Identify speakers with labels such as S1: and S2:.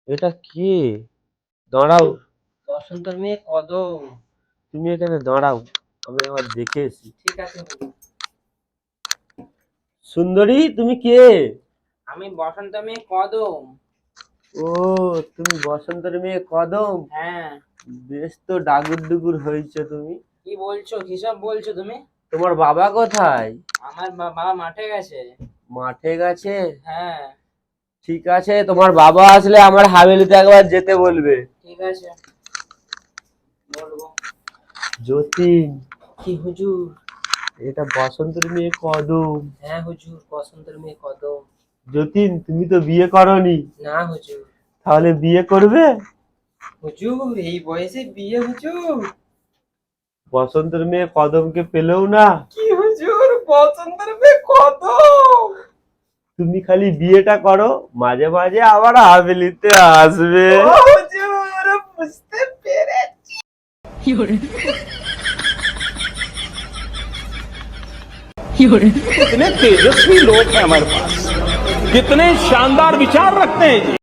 S1: এটা কে? দাঁড়াও, বসন্তের মেয়ে কদম। তুমি এখানে দাঁড়াও, আমি একবার দেখে এসি।
S2: ঠিক আছে।
S1: সুন্দরী, তুমি কে?
S2: আমি বসন্ত মেয়ে কদম।
S1: ও, তুমি বসন্তের মেয়ে কদম।
S2: হ্যাঁ।
S1: বেশ তো ডাগুর ডুগুর হয়েছে তুমি।
S2: কি বলছো, কিসব বলছো তুমি?
S1: তোমার বাবা কোথায়?
S2: আমার বাবা মাঠে গেছে।
S1: মাঠে গেছে?
S2: হ্যাঁ।
S1: ঠিক আছে, তোমার বাবা আসলে আমার হাভেলিতে একবার যেতে বলবে।
S2: ঠিক আছে, বলবো।
S1: যতীন।
S2: কি হুজুর?
S1: এটা বসন্তের মেয়ে কদম।
S2: হ্যাঁ হুজুর, বসন্তের মেয়ে কদম।
S1: যতীন, তুমি তো বিয়ে করনি,
S2: না হুজুর।
S1: তাহলে বিয়ে করবে?
S2: হুজুর, এই বয়সে বিয়ে হুজুর?
S1: বসন্তের মেয়ে কদমকে পেলেও না।
S2: কি হুজুর, বসন্তের মেয়ে কদম?
S1: তুমি খালি বিয়েটা করো, মাঝে মাঝে আবার হাভেলিতে আসবে।
S2: ও হুজুর, বুঝতে পেরেছি।
S3: कितने तेजस्वी लोग हैं हमारे पास, कितने शानदार विचार रखते हैं।